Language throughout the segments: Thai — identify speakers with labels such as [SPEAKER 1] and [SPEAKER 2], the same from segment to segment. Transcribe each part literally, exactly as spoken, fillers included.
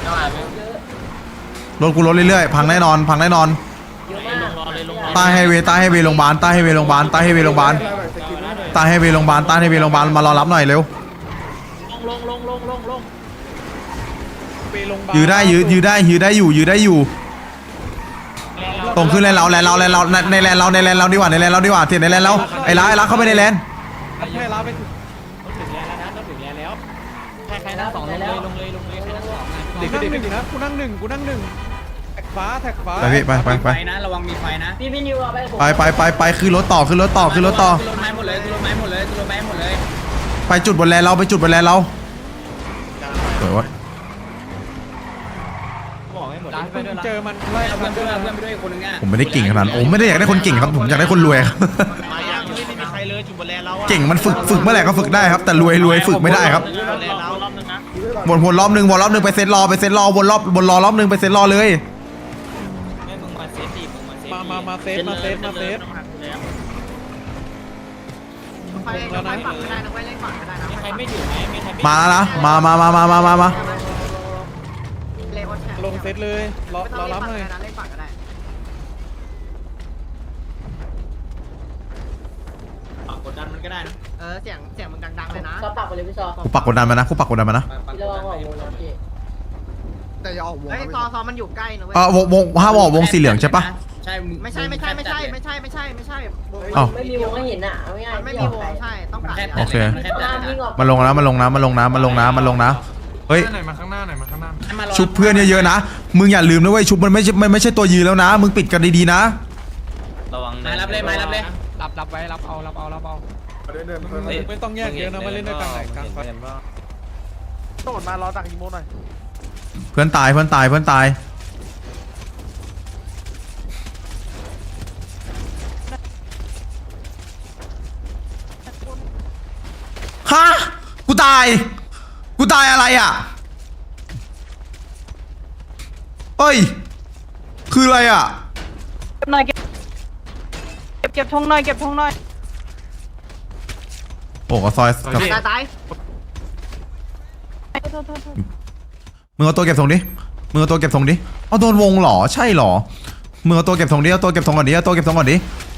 [SPEAKER 1] รถกูรถเรื่อยๆพังแน่นอนพังแน่นอนใต้ไฮเวย์ใต้ไฮเวย์โรงพยาบาลใต้ไฮเวย์โรงพยาบาลใต้ไฮเวย์โรงพยาบาลใต้ไฮเวย์โรงพยาบาลใต้ไฮเวย์โรงพยาบาลมารอรับหน่อยเร็วลงลงลงลงลงยื้อได้ยื้อยื้อได้ยื้อได้อยู่ยื้อได้อยู่ตรงขึ้นแลนเราแลนเราแลนเราในแลนเราในแลนเราดีกว่าในแลนเราดีกว่าเถียนในแลนเราไอ้ล้าไอ้ล้าเข้าไปในแลน
[SPEAKER 2] ให้ล้าไปถึงถึงแลนแล้วนะต้องถึงแลนแล้วใครใครนั่งสองลงเลยลงเลยลงเลยใครนั่งสองเด็กเด็กนะกูนั่งหนึ่งกูนั่งหนึ่งแท็กฟ้าแท็กฟ้า
[SPEAKER 1] ไปพี่ไปไปไป
[SPEAKER 2] นะระวังมีไฟนะ
[SPEAKER 3] พี่พี่นิวเอา
[SPEAKER 1] ไปไปไปไปขึ้นรถต่อขึ้นรถต่อขึ้นรถต่อ
[SPEAKER 2] ขึ้นรถไม้หมดเลยขึ้นรถไม้หมดเลยขึ้นรถไม้หมดเลย
[SPEAKER 1] ไปจุดบนแลนเราไปจุดบนแลนเราสวยวะ
[SPEAKER 2] เจอมันไล่เพื่อนเพื่อนเพื่อนไปด้วยคนนึงอ่ะ
[SPEAKER 1] ผมไม่ได้เก่งขนาดผมไม่ได้อยากได้คนเก่งครับผมอยากได้คนรวยเก่งมันฝึกฝึกเมื่อไหร่ก็ฝึกได้ครับแต่รวยรวยฝึกไม่ได้ครับวนวนรอบหนึ่งวนรอบหนึ่งไปเซตรอไปเซตรอวนรอบบนรอรอบหนึ่งไปเซตรอเลย
[SPEAKER 2] มามามาเซฟมาเซฟมาเซฟ
[SPEAKER 3] ไฟไฟฝั่งไม่ได้นะไฟเล่นฝั่งไม่ได้นะใครไม่ถือไหมไม่ใคร
[SPEAKER 1] มาแล้วนะมามามามามามามา
[SPEAKER 2] ลงเซตเลยรอรอรับหน่อย
[SPEAKER 3] เล่นฝั่งก็ได้
[SPEAKER 2] ปักกดดันมันก็ได้นะ
[SPEAKER 3] เออเสียงเสียงมึงดังๆเลยนะก็ปักไปเลยพี่ซอ
[SPEAKER 1] กูปักกดดันมานะกูปักกดดันมานะ
[SPEAKER 3] แต่อย่าออกวงไอ้ซอซอมันอยู่ใกล้นะเว้ย
[SPEAKER 1] เออวงวงห้ามออกวงสีเหลืองใช่ปะ
[SPEAKER 2] ใช่
[SPEAKER 3] ไม่ใช่ไม่ใช่ไม่ใช่ไม่ใช่ไม่ใช่ไม่ใช่
[SPEAKER 4] ไม่มีวงให้เห็นอ่ะไม่ง่าย
[SPEAKER 3] ไม่มีวงใช่ต้องกัด
[SPEAKER 1] โอเคมาลงนะมาลงนะมาลงนะมาลงนะมาลงนะเฮ้ย
[SPEAKER 2] มาข้างหน้าหน่อยมาข้างหน้า
[SPEAKER 1] ชุบเพื่อนเยอะๆนะมึงอย่าลืมนะเว้ยชุบมันไม่ใช่ไม่ใช่ตัวยืนแล้วนะมึงปิดกันดีๆนะ
[SPEAKER 2] ระวังไม้รับเลยไม้รับเลยรับรับไว้รับเอารับเอารับเอาไม่ต้องแยกเยอะนะมาเล่นด้วยกันไหนกลางไฟโดดมารอตักอีโมหน่อย
[SPEAKER 1] เพื่อนตายเพื่อนตายเพื่อนตายฮะกูตายกูตายอะไรอ่ะเอ้ยคืออะไรอ่ะ
[SPEAKER 4] เก็บหน่อยเก็บเก็บเก็บทงหน่อยเก็บทงหน่อย
[SPEAKER 1] โอ้ก็ซอยกับ
[SPEAKER 3] ตายตาย
[SPEAKER 1] มึงเอาตัวเก็บทงดิมึงเอาตัวเก็บทงดิเอาโดนวงหรอใช่หรอมึงเอาตัวเก็บทงดิเอาตัวเก็บทงก่อนดิเอาตัวเก็บทงก่อนดิ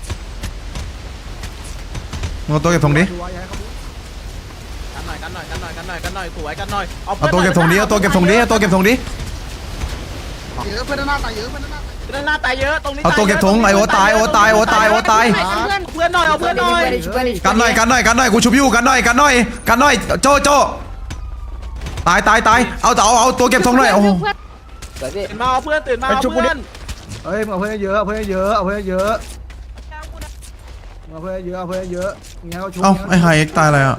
[SPEAKER 1] มึงเอาตัวเก็บทงดิ
[SPEAKER 2] กันหน่อยกันหน่อยกันหน่อยกันหน่อยกันหน่อยสวยกันหน่อย
[SPEAKER 1] เอาตัวเก็บทงดิเอาตัวเก็บทงดิเอาตัวเก็บทงดิ
[SPEAKER 3] เยอะเพื่อนหน้าตายเยอะเพื่อนหน้า
[SPEAKER 2] เพื่อนหน้าตายเยอะตรงนี้
[SPEAKER 1] เอาตัวเก็บทงไอโอตายโอตายโอตายโอตาย
[SPEAKER 2] เพื่อนเพื่อนหน่อยเอาเพื่อนหน่อย
[SPEAKER 1] กันหน่อยกันหน่อยกันหน่อยกูชุบอยู่กันหน่อยกันหน่อยกันหน่อยโจโจตายตายตายเอาเอาเอาตัวเก็บทงหน่อยโอ้โห
[SPEAKER 2] ตื่นมาเอาเพื่อนตื่นมาเอาเพื่อน
[SPEAKER 5] เฮ้ยเอาเพื่อนเยอะเอาเพื่อนเยอะเอาเพื่อนเยอะเอาเพื่อนเยอะเอาเพื่อนเยอะงี้เขาชุบ
[SPEAKER 1] เอ้าไอไฮเอ็กตายอะไรอ่ะ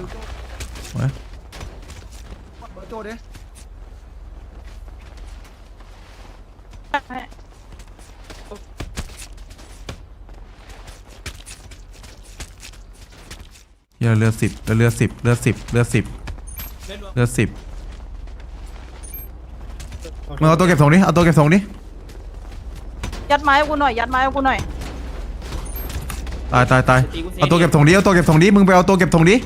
[SPEAKER 5] โจดิ
[SPEAKER 1] เลือดเลือดสิบเลือดสิบเลือดสิบเลือดสิบเลือดสิบมึงเอาตัวเก็บทงดิเอาตัวเก็บทงดิ
[SPEAKER 4] ยัดไม้กูหน่อยยัดไม้กูหน่อย
[SPEAKER 1] ตายตายตายเอาตัวเก็บทงดิเอาตัวเก็บทงดิมึงไปเอาตัวเก็บทงดิ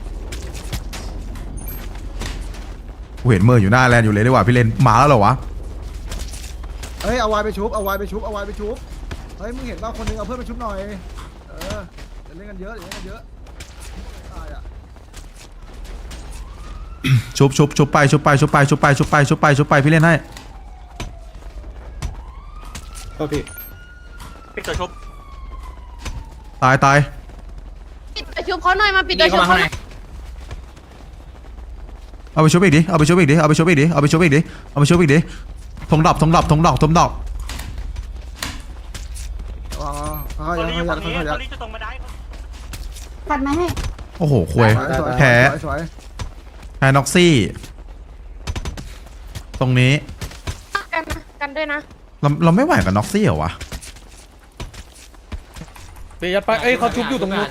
[SPEAKER 1] กูเห็นเมอร์อยู่หน้าแลนอยู่เลยดีกว่าพี่เลนมาแล้วเหรอวะ
[SPEAKER 5] เฮ้ยเอาวายไปชุบเอาวายไปชุบเอาวายไปชุบเฮ้ยมึงเห็นว่าคนนึงเอาเพื่อนไปชุบหน่อยเออเดี๋ยวเล่นกันเยอะเดี๋ยวเล่นกันเยอะตายอ่ะ
[SPEAKER 1] ชุบชุบชุบไปชุบไปชุบไปชุบไปชุบไปชุบไปชุบไปพี่เล่นให้
[SPEAKER 2] โอเคปิดตัวชุบ
[SPEAKER 1] ตายตาย
[SPEAKER 4] ปิดตัวชุบเขาหน่อยมาปิดตัวชุบเขา
[SPEAKER 1] เอาไปชุบอีกดิเอาไปชุบอีกดิเอาไปชุบอีกดิเอาไปชุบอีกดิเอาไปชุบอีกดิทงดอกทงดอกทงดอกทงดอก
[SPEAKER 5] อ๋อเขาอยากเขาอยากเขาอยาก
[SPEAKER 4] ปัดมาให้
[SPEAKER 1] โอ้โหควยแผลแผลน็อกซี่ตรงนี้
[SPEAKER 4] กันนะกันด้วยนะ
[SPEAKER 1] เราเราไม่ไหวกับน็อกซี่เหรอวะ
[SPEAKER 2] เปียไปเอ้ยเขาชุบอยู่ตรงนู้น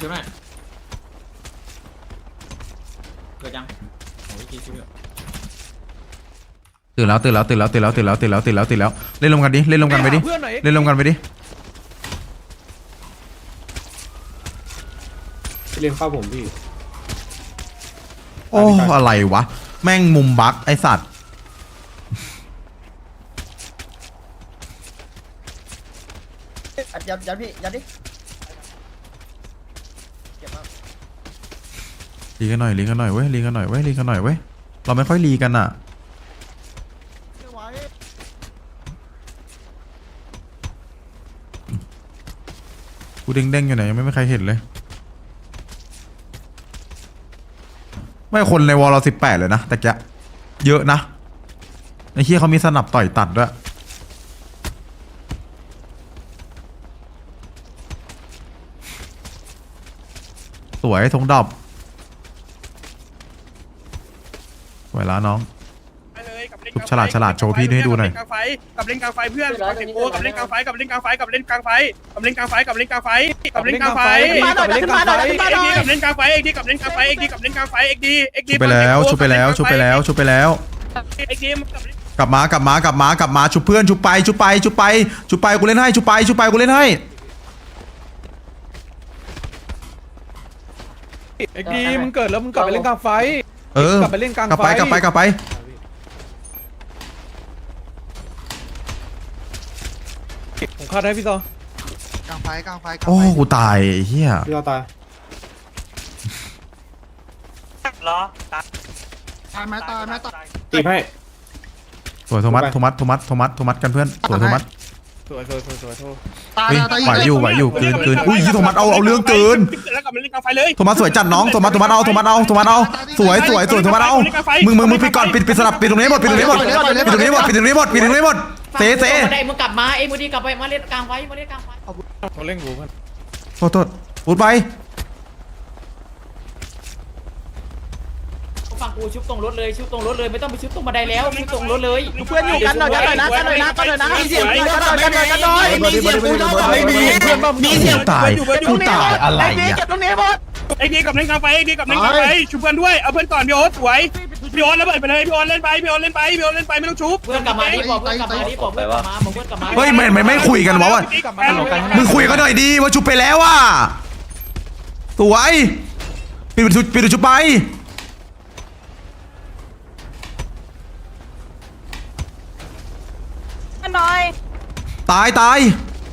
[SPEAKER 2] เกิดยัง
[SPEAKER 1] ตื่นแล้วตื่นแล้วตื่นแล้วตื่นแล้วตื่นแล้วตื่นแล้วตื่นแล้วตื่นแล้วเล่นลงกันดิเล่นลงกันไปดิเล่นลงกันไปดิ
[SPEAKER 2] เล่นเข้าผมพี่
[SPEAKER 1] โอ้อะไรวะแม่งมุมบั๊กไอสัตว์
[SPEAKER 2] ยัดยัดพี่ยัดดิ
[SPEAKER 1] รีกันหน่อยรีกันหน่อยเว้ยรีกันหน่อยเว้ยรีกันหน่อยเว้ยเราไม่ค่อยรีกันอ่ะกูเด้งๆอยู่ไหนยังไม่มีใครเห็นเลยไม่คนในวอลเราสิบแปดเลยนะแต่แกเยอะนะไอ้เฮียเขามีสนับต่อยตัดด้วยสวยทงดอบสวยแล้วน้องทุกฉลาดฉลาดโชว์พี่ให้ดูหน่อย
[SPEAKER 6] กับเล่นกลางไฟเพื่อนกับเล่นกับเล่นกลางไฟกับเล่นกลางไฟกับเล่นกลางไฟกับเล่นกลางไฟกับเล่นกลางไฟกับเล่นกลางไฟ
[SPEAKER 3] มาหน่อยขึ้นมาหน่อยขึ้นมาหน่อย
[SPEAKER 6] กับเล่นกลางไฟเอ็กดีกับเล่นกลางไฟเอ็กดีกับเล่นกลางไฟเอ็กดีเอ็กดี
[SPEAKER 1] ชุบไปแล้วชุบไปแล้วชุบไปแล้วชุบไปแล้ว
[SPEAKER 6] เอ็กดี
[SPEAKER 1] กลับมากลับมากลับมากลับมาชุบเพื่อนชุบไปชุบไปชุบไปชุบไปกูเล่นให้ชุบไปชุบไปกูเล่นให้
[SPEAKER 2] เอ็กดีมึงเกิดแล้วมึงกลับไปเล่นกลางไฟ
[SPEAKER 1] เออก
[SPEAKER 2] ลับไปเล่นกลาง
[SPEAKER 1] กลับไปกลับไปกลับไป
[SPEAKER 2] ผมคาดให้พี่ซอก
[SPEAKER 5] ลางไฟกลางไฟ
[SPEAKER 1] โอ้กูตายไอ้เฮีย
[SPEAKER 2] พี่ซอตาย
[SPEAKER 5] ตายไหมตายไหมตาย
[SPEAKER 2] ตีให้
[SPEAKER 1] สวยโทมัสโทมัสโทมัสโทมัสโทมัสกันเพื่อนสวยโทมัส
[SPEAKER 2] สวยสวยสวยสวยโทษ
[SPEAKER 5] ตาย
[SPEAKER 1] เฮ้ย
[SPEAKER 5] ตาย
[SPEAKER 1] ไหวอยู่ไหวอยู่เกินเกินอุ้ยโทมัสเอาเอาเรื่องเกิน
[SPEAKER 6] แล้วกับเล่นกลางไฟเลย
[SPEAKER 1] โทมัสสวยจัดน้องโทมัสโทมัสเอาโทมัสเอาโทมัสเอาสวยสวยสวยโทมัสเอามึงมึงมึงปิดก่อนปิดปิดสลับปิดตรงนี้หมดปิดตรงนี้หมดปิดตรงนี้หมดปิดตรงนี้หมดปิดตรงนี้หมดเซเซ
[SPEAKER 3] ไอ้มึงกลับมาเอ็มดีกลับไปมาเล่นกลางไว้มาเล่นกลางไว้
[SPEAKER 2] เขาเล่นกูเพื่อน
[SPEAKER 1] โทษโทษพูดไป
[SPEAKER 3] ฝั่งกูชุบตรงรถเลยชุบตรงรถเลยไม่ต้องไปชุบตรงบันไดแล้วชุบตรงรถเลย
[SPEAKER 4] เพื่อนอยู่กันหน่อยกันหน่อยนะกันหน่อยนะกันหน่อยนะมีเสียงกูกันหน่อยกันหน่อยกันหน่อย
[SPEAKER 5] มีเสียงกูเท่ากับไม่มี
[SPEAKER 2] เพื่อนบ้า
[SPEAKER 1] มีเสียงตายกูตายอะไร
[SPEAKER 4] ไอ้
[SPEAKER 1] เนี่ย
[SPEAKER 4] เก็บตรงนี้หมด
[SPEAKER 6] เอ็กดีกับเล่นกลางไฟเอ็กดีกับเล่นกลางไฟชุบเพื่อนด้วยเอาเพื่อนก่อนพี่โอ๊ตสวยพี่โอ๊ตแล้วเปิดไปเลยพี่โอ๊ตเล่นไปพี่โอ๊ตเล่นไปพี่โอ๊ตเล่นไปไม่ต้องชุบ
[SPEAKER 3] เพื่อนกลับมาดิบอกเพื่อนกลับมาดิบอกเพื่อนกลับมาบอกเพื่อนกลับมา
[SPEAKER 1] เฮ้ยไม่ไม่ไม่คุยกันวะว่ามึงคุยกันหน่อยดีว่าชุบไปแล้วว่ะสวยปิดปิดปิดชุบไป
[SPEAKER 4] หน่อย
[SPEAKER 1] ตายตาย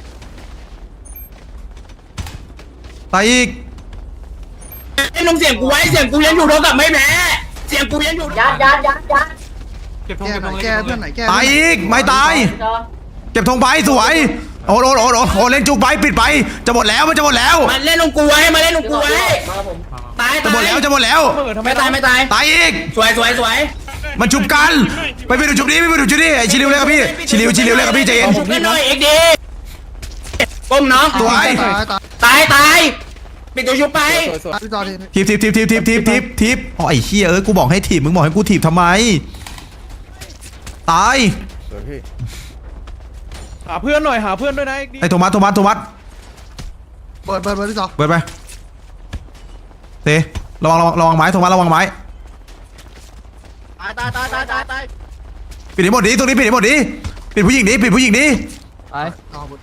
[SPEAKER 1] ตายอีก
[SPEAKER 6] ไอ้ลงเสียงกูไว้เสียงกูยังอยู่เท่ากับไม่แพ้เสียงกูยังอยู่
[SPEAKER 3] ยัดยัดยัดยัด
[SPEAKER 2] เก็บทง
[SPEAKER 5] แก้
[SPEAKER 2] เก็บ
[SPEAKER 5] ห
[SPEAKER 2] ท
[SPEAKER 5] น่อง ย
[SPEAKER 2] เลย
[SPEAKER 5] แก้เพื่อนไหนแก้
[SPEAKER 1] ตายอีกไม่ตายเก็บธงไปสวยโอ้โหโอ้โหโอ้เล่นจุกไปปิดไปจะหมดแล้วมันจะหมดแล้ว
[SPEAKER 6] มาเล่นลงกูไว้มาเล่นลงกูไว้ตาย
[SPEAKER 1] จะหมดแล้วจะหมดแล้ว
[SPEAKER 6] ไม่ตายไม่ตาย
[SPEAKER 1] ตายอีก
[SPEAKER 6] สวยสวยสวย
[SPEAKER 1] มันชุบกันไปไปดูชุบนี้ไปไปดูชุบนี้ไอชิลิวเลยครับพี่ชิลิวชิลิวเลยครับพี่ใจเย็น
[SPEAKER 6] ชุบกันหน่อยเอ็กดีก้มน้อง
[SPEAKER 1] สวย
[SPEAKER 5] ตายตาย
[SPEAKER 6] ตายตายปิดตัวชุบไป
[SPEAKER 2] สวยสวย
[SPEAKER 5] พี่จอที
[SPEAKER 1] ทีบทีบทีบทีบทีบทีบทีบทีบอ๋อไอ้เชี่ยเอ้ยกูบอกให้ทีบมึงบอกให้กูทีบทำไมตาย
[SPEAKER 2] สวยพี่หาเพื่อนหน่อยหาเพื่อนด้วยนะเอ็กดี
[SPEAKER 1] ไอโทมัสโทมัสโทมัส
[SPEAKER 5] เปิดเปิดเปิดพี่จอ
[SPEAKER 1] เปิดไปเตะระวังระวังระวังไม้โทมัสระวังไม้
[SPEAKER 4] ตายตายตายตายตายตาย
[SPEAKER 1] ปิดให้หมดดิตรงนี้ปิดให้หมดดิปิดผู้หญิงดิปิดผู้หญิงดิ
[SPEAKER 5] เอาหมด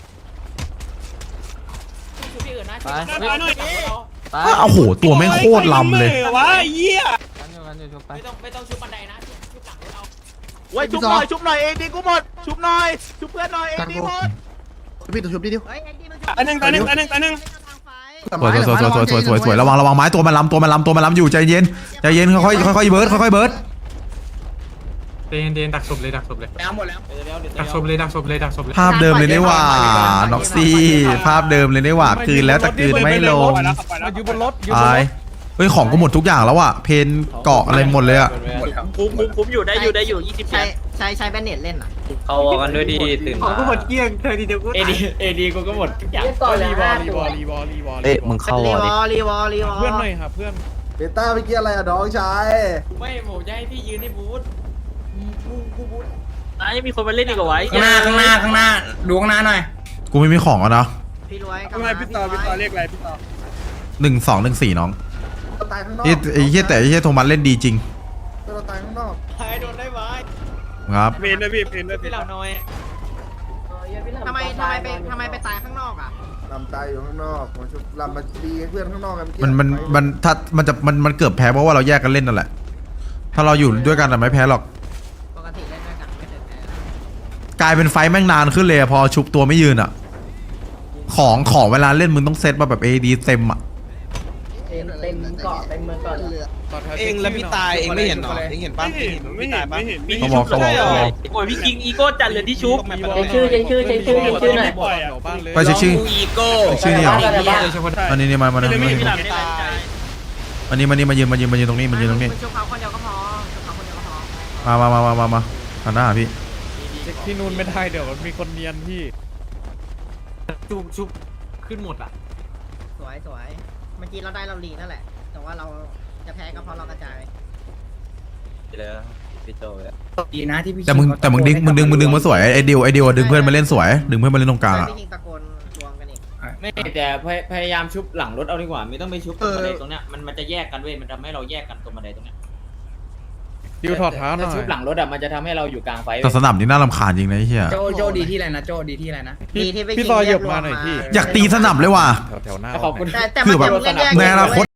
[SPEAKER 3] ชุบที่อื่นนะ
[SPEAKER 6] ตายหน่อย
[SPEAKER 1] อ้าวโอ้โหตัวแม่งโคตรลำเลย
[SPEAKER 6] วะเหี้ย
[SPEAKER 3] ไม่ต้องไม่ต้องชุบบันไดนะชุบหลังรถเอา
[SPEAKER 4] ไว้ชุบหน่อยชุบหน่อยเองดีกูหมดชุบหน่อยชุบเพื่อนหน่อยเองดีหมด
[SPEAKER 5] พี่ตัวชุบดิดิว
[SPEAKER 4] เฮ้ยเองดีมันชุบ
[SPEAKER 6] อันหนึ่งอันหนึ่งอันหนึ่งอันหนึ่ง
[SPEAKER 1] สวยสวยสวยสวยสวยสวยสวยระวังระวังไม้ตัวมันลำตัวมันลำตัวมันลำอยู่ใจเย็นใจเย็นค่อยค่อยค่อยเบิร์ดค่อยๆเบิร์ด
[SPEAKER 7] เดนเดนดักศพเลยดักศพเลย
[SPEAKER 6] แล้วหมดแล้ว
[SPEAKER 7] ดักศพเลยดักศพเลยดักศพเลย
[SPEAKER 1] ภาพเดิมเลยนี่หว่าน็อกซี่ภาพเดิมเลยนี่หว่าคืนแล้วแต่คืนไม่ลง
[SPEAKER 2] มาอยู่บนรถอยู่บน
[SPEAKER 1] ตาย
[SPEAKER 2] รถ
[SPEAKER 1] เฮ้ยของก็หมดทุกอย่างแล้วอะเพนเกาะอะไรหมดเลยอะ
[SPEAKER 3] คุ้มคุ้มคุ้มอยู่ได้อยู่ได้อยู่ยี่สิบ
[SPEAKER 8] ใช้ใช้ใช้แบนเน็ตเล่นอ่ะ
[SPEAKER 7] เขาวอกันด้วยดีตื่น
[SPEAKER 8] ของกูหมดเกลี้ยงเธอทีเดียวกู
[SPEAKER 3] เอดีเอดีกูก็หมดทุกอย่าง
[SPEAKER 2] รีวอลรีวอลรีวอลรีวอล
[SPEAKER 8] เอ๊ะมึงเข้าวอลรีวอลรีวอล
[SPEAKER 2] เพื่อนหน่อยหาเพื่อน
[SPEAKER 5] เบต้าเมื่อกี้อะไรอะน้องชาย
[SPEAKER 3] ไม่หมูจะให้พี่ยืนในบูธกูกูบูธอ่ะยังมีคนมาเล่นอีกเหรอวะ
[SPEAKER 6] ข้างหน้าข้างหน้าข้างหน้าดูข้างหน้าหน่อย
[SPEAKER 1] กูไม่มีของอะนะ
[SPEAKER 8] พี่รวย
[SPEAKER 6] ทำไมพี่ต่อพี่ต่อเรียกอะไรพี่ต่อ
[SPEAKER 1] หนึ่งสองหนึ่งสี่น้อง
[SPEAKER 5] ตายข้างนอก
[SPEAKER 1] ไอ้ไอ้เหี้ยแต่ไอ้เหี้ยโทมัสเล่นดีจริง
[SPEAKER 5] เราตายข้างนอก
[SPEAKER 3] ใครโดนได้ไหม
[SPEAKER 1] ครับ
[SPEAKER 6] เพนด้วยพี่เพนด้วย
[SPEAKER 3] พี่เหล่าน้อย
[SPEAKER 8] ทำไมทำไมไปทำไมไปตายข้างนอกอ่ะ
[SPEAKER 5] ลำตายอยู่ข้างนอกมาชุบลำมาดีให้เพื่อนข้างนอกกัน
[SPEAKER 1] มันมันมันถ้ามันจะมันมันเกือบแพ้เพราะว่าเราแยกกันเล่นนั่นแหละ ถ้าเราอยู่ด้วยกันอะไม่แพ้หรอก
[SPEAKER 8] ปกติเล่นด้วยกันไม่เคยแพ้
[SPEAKER 1] กลายเป็นไฟท์แม่งนานขึ้นเลยอะพอชุบตัวไม่ยืนอะของของเวลาเล่นมึงต้องเซตมาแบบ เอ ดี เต็มอ่ะ
[SPEAKER 8] เต็มเต็มเกาะเต็มเมืองก่อน
[SPEAKER 2] เองแล้วพี่ตายเองไม่เห็นหรอเองเห็นป่ะ
[SPEAKER 6] ไม่เห็นไม่เห็นไม่เห็น
[SPEAKER 1] เขาบอกเขาบอกเขาบอก
[SPEAKER 3] โอ้ยพี่คิงอีโก้จัดเลยที่ชุบ
[SPEAKER 8] เช็คชื่อเช็คชื่อเช็คชื่อเช็คชื่อหน่อย
[SPEAKER 1] ไปเช็คชื่อ
[SPEAKER 2] อีโก้
[SPEAKER 1] เช็คชื่อนี่เหรอ
[SPEAKER 7] เฉพาะ
[SPEAKER 1] อันนี้นี่มามามา
[SPEAKER 3] ไม่
[SPEAKER 1] มา
[SPEAKER 3] พี่หลับไม่ได้ใจ
[SPEAKER 1] อันนี้มานี่มายืนมายืนมายืนตรงนี้มายืนตรงนี้
[SPEAKER 8] ชุบเขาคนเดียวก็พอชุบเขาคนเดียวก็พอ
[SPEAKER 1] มามามามามามาหันหน้าหาพี่
[SPEAKER 2] ที่นู่นไม่ได้เดี๋ยวมันมีคนเนียนพี่
[SPEAKER 7] ชุบชุบขึ้นหมดอ่ะ
[SPEAKER 8] สวยสวยเมื่อกี้เราได้เราลีนั่นแหละ แต่ว่าเราจะแพ้ก็เพราะเรากระจาย
[SPEAKER 2] เลยพี่โจเลย
[SPEAKER 3] ดีนะที่พี่
[SPEAKER 1] แต่มึงแต่มึงดึงมึงดึงมึงดึงมาสวยไอ้ดิวไอ้ดิวดึงเพื่อนมาเล่นสวยดึงเพื่อนมาเล่นตรงกลางอ่ะ
[SPEAKER 8] พี่คิงตะโกนรวมกันอีก
[SPEAKER 3] ไม่แต่พยายามชุบหลังรถเอาดีกว่าไม่ต้องไปชุบตรงบันไดตรงเนี้ยมันมันจะแยกกันเว้ยมันทำให้เราแยกกันตรงบันไดตรงเนี้ย
[SPEAKER 2] ดิวถอดเท้าหน่อย
[SPEAKER 3] ชุบหลังรถอ่ะมันจะทำให้เราอยู่กลางไฟ
[SPEAKER 1] แต่สนามนี่น่ารำคาญจริงนะไอ้เหี้ย
[SPEAKER 3] โจโจดีที่ไรนะโจดีที่ไรนะ
[SPEAKER 8] ดีที่ไป
[SPEAKER 2] พี่ซอยเหยียบมาหน่อยพี่
[SPEAKER 1] อยากตีสนับเลยว่ะ
[SPEAKER 2] แถวๆหน้า
[SPEAKER 3] ขอบคุณ
[SPEAKER 8] แต่แต่
[SPEAKER 1] คือแบบ
[SPEAKER 8] มันจะเล่นแยก
[SPEAKER 1] ในอนาคต